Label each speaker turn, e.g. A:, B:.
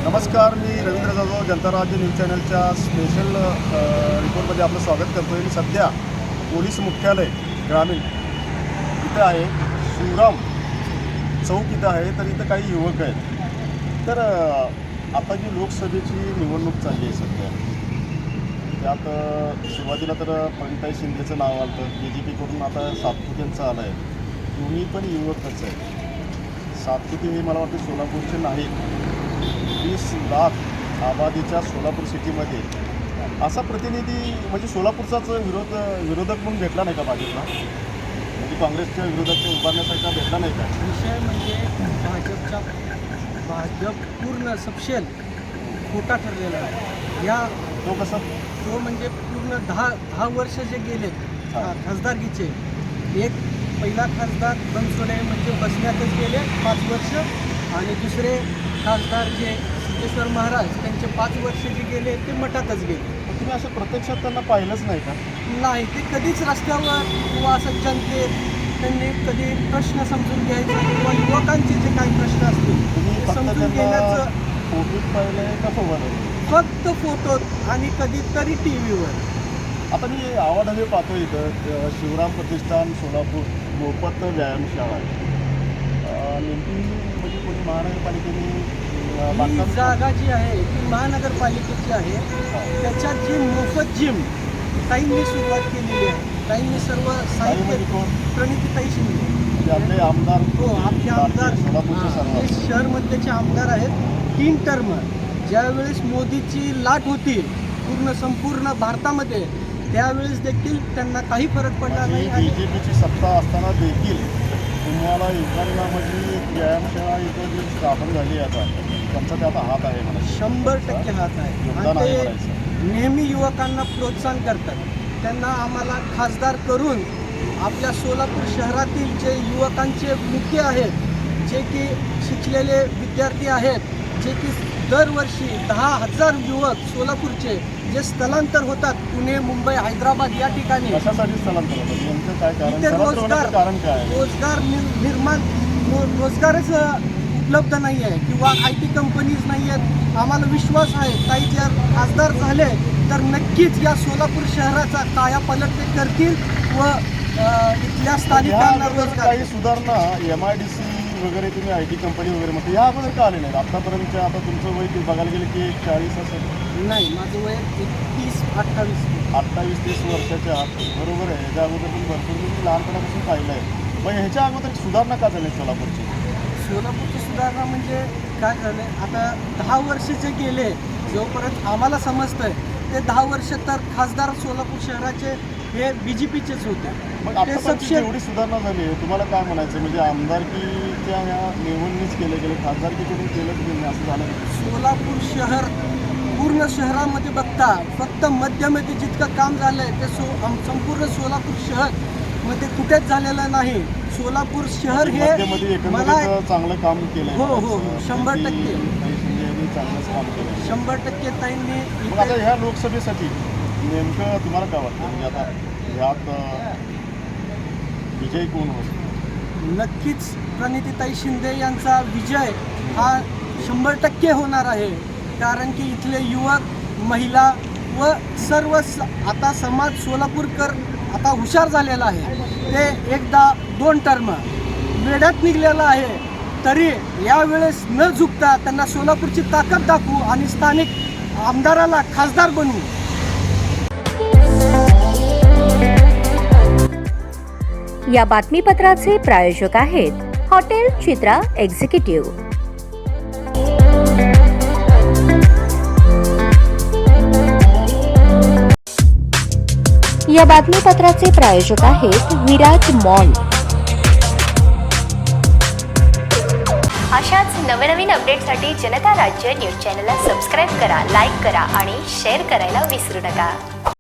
A: नमस्कार, मी रवींद्र जाधव, जनता राज्य न्यूज चॅनलच्या स्पेशल रिपोर्टमध्ये आपलं स्वागत करतो आहे. मी सध्या पोलीस मुख्यालय ग्रामीण इथं आहे. शिवराम चौक इथं आहे. तर इथं काही युवक आहेत. तर आता जी लोकसभेची निवडणूक चालली आहे सध्या, त्यात सुरुवातीला तर प्रणिताई शिंदेचं नाव आलं होतं. BJPकडून आता सातपुतेंचं आलं आहे. दोन्ही पण युवकच आहेत. सातपुते हे मला वाटतं सोलापूरचे नाहीत. 20 लाख आबादीच्या सोलापूर सिटीमध्ये असा प्रतिनिधी म्हणजे सोलापूरचाच विरोधक म्हणून भेटला नाही का भाजपला? म्हणजे काँग्रेसच्या विरोधात उभारण्यासारखा भेटला नाही का?
B: विषय म्हणजे भाजप पूर्ण सपशेल खोटा ठरलेला आहे. या तो म्हणजे पूर्ण दहा वर्ष जे गेले खासदारकीचे, एक पहिला खासदार बनसोडे म्हणजे बसण्यातच गेले 5 वर्ष, आणि दुसरे खासदार जे सिद्धेश्वर महाराज त्यांचे 5 वर्ष जे गेले ते मठातच गेले.
A: तुम्ही असं प्रत्यक्षात त्यांना पाहिलंच नाही का?
B: नाही, ते कधीच रस्त्यावर किंवा असं जनतेत त्यांनी कधी प्रश्न समजून घ्यायचा किंवा युवकांचे जे काही प्रश्न असतील ते समजून घेण्याचं
A: फोटोत पाहिलं आहे का फोटोवर?
B: फक्त फोटोत आणि कधीतरी TV वर. आता
A: मी आवाडवे पाहतो इथं शिवराम प्रतिष्ठान सोलापूर मोफत व्यायामशाळा आहे. नेमकी म्हणजे कोणी महानगरपालिकेने
B: ही जागा जी आहे ती महानगरपालिकेची आहे. त्याच्यात जी मोफत जिम ताईंनी सुरुवात केलेली आहे. ताईंनी सर्व साहित्य प्रणितीताई शिंदे
A: आपले आमदार,
B: हो आपले आमदार
A: सोलापूरचे
B: हे शहरमध्येचे आमदार आहेत. 3 टर्म ज्यावेळेस मोदीची लाट होती संपूर्ण भारतामध्ये, त्यावेळेस देखील त्यांना काही फरक पडला नाही.
A: BJPची सत्ता असताना देखील तुम्हाला युवकांना म्हणजे व्यायामशाळा इथं जी स्थापन झाली आता त्यांचा ते आता हात आहे म्हणा.
B: 100% हात आहे. आणि ते नेहमी युवकांना प्रोत्साहन करतात. त्यांना आम्हाला खासदार करून आपल्या सोलापूर शहरातील जे युवकांचे मुख्य आहेत, जे की शिकलेले विद्यार्थी आहेत, जे की दरवर्षी 10,000 युवक सोलापूरचे जे स्थलांतर होतात पुणे, मुंबई, हैदराबाद या ठिकाणी.
A: कशासाठी स्थलांतर होतात? नेमकं काय कारण?
B: इथे
A: कारण काय?
B: रोजगारच उपलब्ध नाही आहे किंवा IT कंपनीज नाही आहेत. आम्हाला विश्वास आहे काही जर खासदार झाले तर नक्कीच या सोलापूर शहराचा कायापालट ते करतील व इथल्या स्थानिकांना रोजगार.
A: काही सुधारणा MIDC वगैरे तुम्ही IT कंपनी वगैरे म्हणते या अगोदर का आले नाहीत आतापर्यंतच्या? आता तुमचं वय बघायला गेलं की 40 असेल.
B: नाही, माझं वय
A: 28-30 वर्षाच्या आत. बरोबर आहे. ह्याच्या अगोदर तुम्ही भरपूर मी लहानपणापासून पाहिलं आहे. मग ह्याच्या अगोदर सुधारणा का झाली सोलापूरची?
B: सोलापूरची सुधारणा म्हणजे काय झालं, आता 10 वर्ष जे गेले, जोपर्यंत आम्हाला समजतंय ते 10 वर्ष तर खासदार सोलापूर शहराचे हे BJPचेच होते.
A: मग आता एवढी सुधारणा झाली आहे, तुम्हाला काय म्हणायचं? म्हणजे आमदारकीच्या ह्या निवडणूक गेले खासदारकीकडून केलंच गेलं असं झालं?
B: सोलापूर शहर पूर्ण शहरामध्ये बघता फक्त मध्यमध्ये जितकं काम झालं आहे ते संपूर्ण सोलापूर शहर मध्ये कुठेच झालेलं नाही. सोलापूर शहर हे मला
A: चांगलं काम केलं.
B: हो 100%
A: चांगलंच काम केलं.
B: 100% ताईंनी.
A: आता ह्या लोकसभेसाठी नेमकं तुम्हाला काय वाटतं? म्हणजे आता ह्यात विजय कोण होतो?
B: नक्कीच प्रणितीताई शिंदे यांचा विजय हा 100% होणार आहे. कारण की इथले युवक, महिला व सर्व आता समाज सोलापूरकर आता हुशार झालेला आहे. ते एकदा 2 टर्म वेड्यात निघलेला आहे, तरी यावेळेस न झुकता त्यांना सोलापूरची ताकद दाखवू आणि स्थानिक आमदाराला खासदार बनवू.
C: या बातमीपत्राचे प्रायोजक आहेत हॉटेल चित्रा एक्झिक्युटिव्ह. या बातमीपत्राचे प्रायोजक आहेत विराज मॉल. अशाच नवनवीन अपडेटसाठी जनता राज्य न्यूज चॅनलला सबस्क्राईब करा, लाईक करा आणि शेअर करायला विसरू नका.